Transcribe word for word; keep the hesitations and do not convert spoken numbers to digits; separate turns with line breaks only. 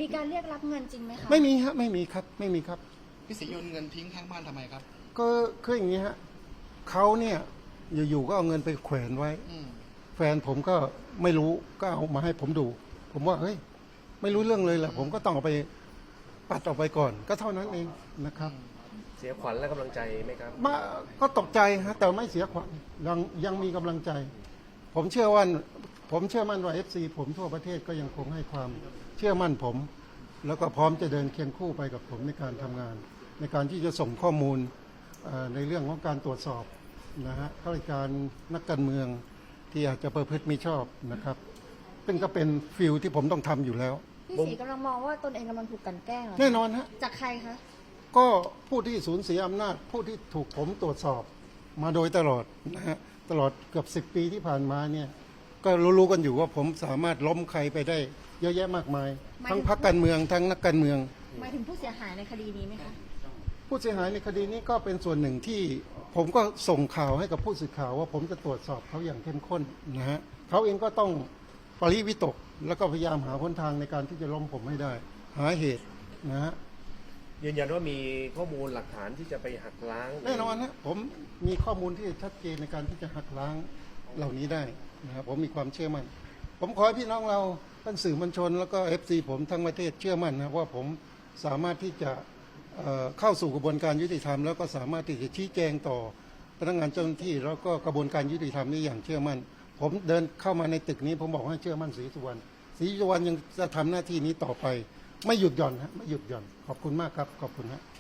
มีการเรียกรับเงินจริงไหมคะ
ไม่มีฮะไม่มีครับไม่มีครับ
พี่ศรีโยนเงินทิ้งข้างบ้านทำไมครับ
ก็คืออย่างนี้ฮะเขาเนี่ยอยู่ๆก็เอาเงินไปแขวนไว้
อืม
แฟนผมก็ไม่รู้ก็เอามาให้ผมดู ผมว่าเฮ้ยไม่รู้เรื่องเลยแหละผมก็ต้องเอาไปปัดออกไปก่อน ก็เท่านั้นเองนะครับ
เสียขวัญและกำลังใจไหมครับ
มาก็ตกใจฮะแต่ไม่เสียขวัญยังยังมีกำลังใจ ผมเชื่อว่าผมเชื่อมั่นว่าเอฟซีผมทั่วประเทศก็ยังคงให้ความเชื่อมั่นผม แล้วก็พร้อมจะเดินเคียงคู่ไปกับผมในการทำงาน ในการที่จะส่งข้อมูลในเรื่องของการตรวจสอบนะฮะข้าราชการนักการเมืองที่อาจจะประพฤติมิชอบนะครับซึ่งก็เป็นฟิลที่ผมต้องทำอยู่แล้ว
พี่ศรีกำลังมองว่าตนเองกำลังถูกกลั่นแกล้งเหรอ
แน่นอนฮะ
จากใครคะ
ก็ผู้ที่สูญเสียอำนาจผู้ที่ถูกผมตรวจสอบมาโดยตลอดนะฮะตลอดเกือบสิบปีที่ผ่านมาเนี่ยก็รู้ๆกันอยู่ว่าผมสามารถล้มใครไปได้เยอะแยะมากมาย ทั้งพรรคการเมืองทั้งนักการเมือง
หมายถึงผู้เสียหายในคดีนี้ไหมคะ
ผู้เสียหายในคดีนี้ก็เป็นส่วนหนึ่งที่ผมก็ส่งข่าวให้กับผู้สื่อข่าวว่าผมจะตรวจสอบเขาอย่างเข้มข้นนะฮะเขาเองก็ต้องปริวิตกแล้วก็พยายามหาหนทางในการที่จะล้มผมให้ได้ หาเหตุนะฮะ
ยืนยันว่ามีข้อมูลหลักฐานที่จะไปหักล้าง
แน่นอนนะผมมีข้อมูลที่ชัดเจนในการที่จะหักล้างเหล่านี้ได้นะครับผมมีความเชื่อมั่นผมขอให้พี่น้องเราท่านสื่อมวลชน แล้วก็ เอฟ ซี ผมทั้งประเทศเชื่อมั่นนะว่าผมสามารถที่จะเอ่อเข้าสู่กระบวนการยุติธรรมแล้วก็สามารถที่จะชี้แจงต่อพนักงานเจ้าหน้าที่แล้วก็กระบวนการยุติธรรมนี้อย่างเชื่อมั่นผมเดินเข้ามาในตึกนี้ผมบอกให้เชื่อมั่นศรีสุวรรณศรีสุวรรณยังจะทำหน้าที่นี้ต่อไปไม่หยุดหย่อนฮะไม่หยุดหย่อนขอบคุณมากครับขอบคุณฮะ